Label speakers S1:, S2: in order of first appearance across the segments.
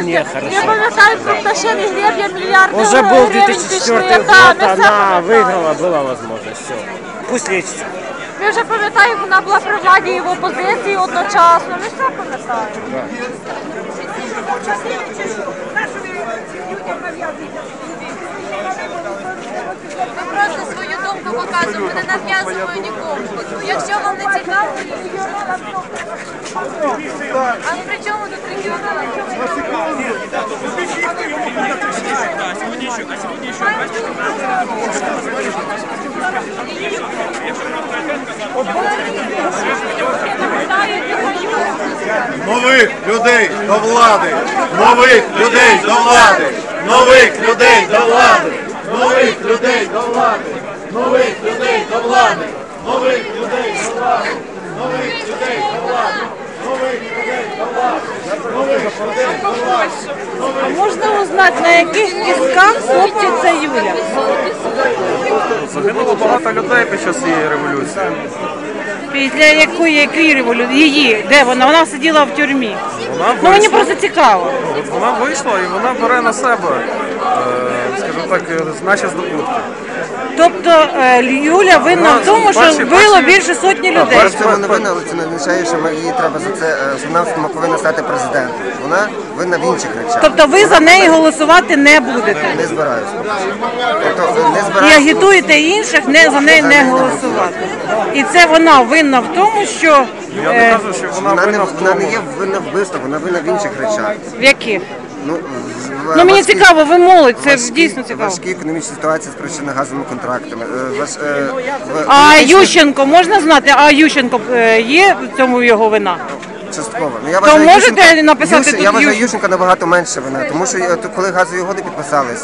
S1: Не, хорошо.
S2: Я пам'ятаю, про пташиний греб'я мільярди
S1: Уже был
S2: гривень
S1: 2004
S2: пішли.
S1: год,
S2: Да, ми все
S1: она
S2: пам'ятаємо.
S1: выиграла, была возможность. Все. Пусть лечится.
S2: Ми вже пам'ятаємо, вона була при владі і в опозиції одночасно. Ми все пам'ятаємо.
S3: Ми просто свою думку показуємо, не нав'язуємо нікому. Якщо вам не цікаво, а при чому тут регіонали?
S4: Нових людей до влади! Нових людей до влади! Нових людей до влади! Нових людей до влади! Нових людей до влади! Нових людей до влади! Нових людей до влади! Нових людей до влади! Нових людей до влади!
S5: А можна узнати, на яких кістках хлопчиця Юля?
S6: Загинуло багато людей під час цієї революції.
S5: Після якої революції? Її? Де вона? Вона сиділа в тюрмі.
S6: Вона
S5: Ну мені
S6: вийшла,
S5: просто цікаво.
S6: вона вийшла і вона бере на себе, скажімо так, наші здобутки.
S5: Тобто Юля винна в тому, що вбило більше сотні людей.
S7: Вона не винна, але це не означає, що її треба за це, що вона повинна стати президентом. Вона винна в інших речах.
S5: Тобто ви за неї голосувати не будете?
S7: Не збираюся. Тобто не
S5: І
S7: збираюся.
S5: агітуєте інших за неї не голосувати. І це вона винна в тому, що...
S6: Я не кажу, що вона винна в
S7: Вона не
S6: тому.
S7: є винна в вбивствах, вона винна в інших речах.
S5: В яких?
S7: Ну,
S5: Ну мені цікаво, ви молодь, це дійсно цікаво.
S7: Важкі економічні ситуації спричинені газовими контрактами.
S5: А Ющенко, можна знати, а Ющенко є в цьому його вина?
S7: Частково. Ну,
S5: То можете написати тут
S7: Я вважаю
S5: Ющенко?
S7: Ющенка набагато менше вина, тому що коли газові угоди підписувались,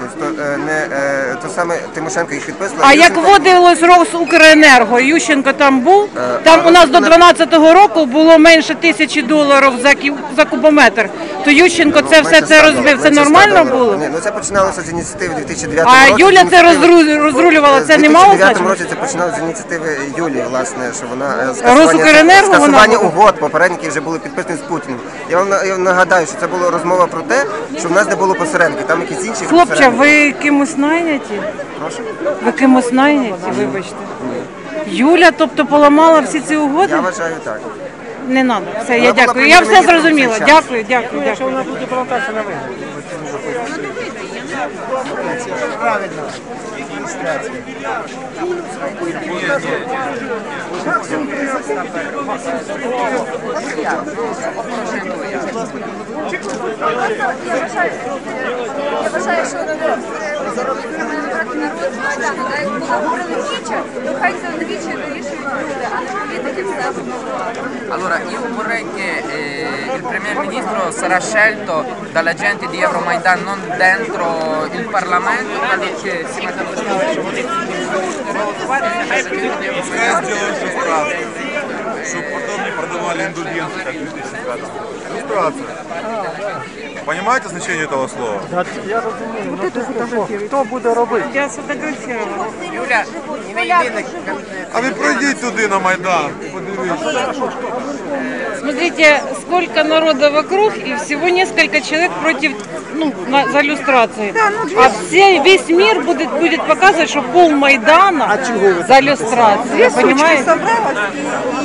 S7: то саме Тимошенко їх підписувала.
S5: А як вводилось Росукренерго, Ющенко там був? Там у нас до 12-го року було менше $1000 за кубометр. То Ющенко це все це розбив. Це нормально було?
S7: Ні, ну це починалося з ініціативи 2009
S5: А
S7: році.
S5: Юля це розрулювала, це не мало
S7: У 2009
S5: значення?
S7: році це починалося з ініціативи Юлії, власне, що вона
S5: Росукренерго вона
S7: скасування
S5: була?
S7: угод попередники вже були підписані з Путіним. Я вам нагадаю, що це була розмова про те, що в нас не було посередників, там якісь інші
S5: Хлопче,
S7: посередники.
S5: ви кимось найняті?
S7: Прошу?
S5: Ви кимось найняті, вибачте. Юля, тобто поламала всі ці угоди?
S7: Я вважаю так.
S5: Не треба. Все, я
S7: Вона була
S5: дякую. Я все
S7: прем'єр-міністром
S5: зрозуміла.
S7: в цей час.
S5: Дякую, дякую,
S1: Якщо
S5: дякую.
S1: вона буде балотуватися на вибори.
S3: Я вважаю, що заробити народ Майдану, так як говорили віче, то хай це віче вирішують люди, а не політики все обговорювати.
S8: Allora, io vorrei che il Premier Ministro sarà scelto dalla gente di Euromaidan, non dentro il Parlamento, quello che si mette
S4: Чтобы потом не продавали индульгенции, как в 2005. Иллюстрация. Понимаете значение этого слова?
S1: Я розумію, хто буде робити?
S5: Я сфотографувала.
S8: Giulia, не йди на
S4: А ви пройдіть туди на Майдан, подивіться.
S5: Смотрите, сколько народа вокруг, и всего несколько человек против, за иллюстрацией. А весь мир будет показывать, что пол Майдана за иллюстрацией, понимаете?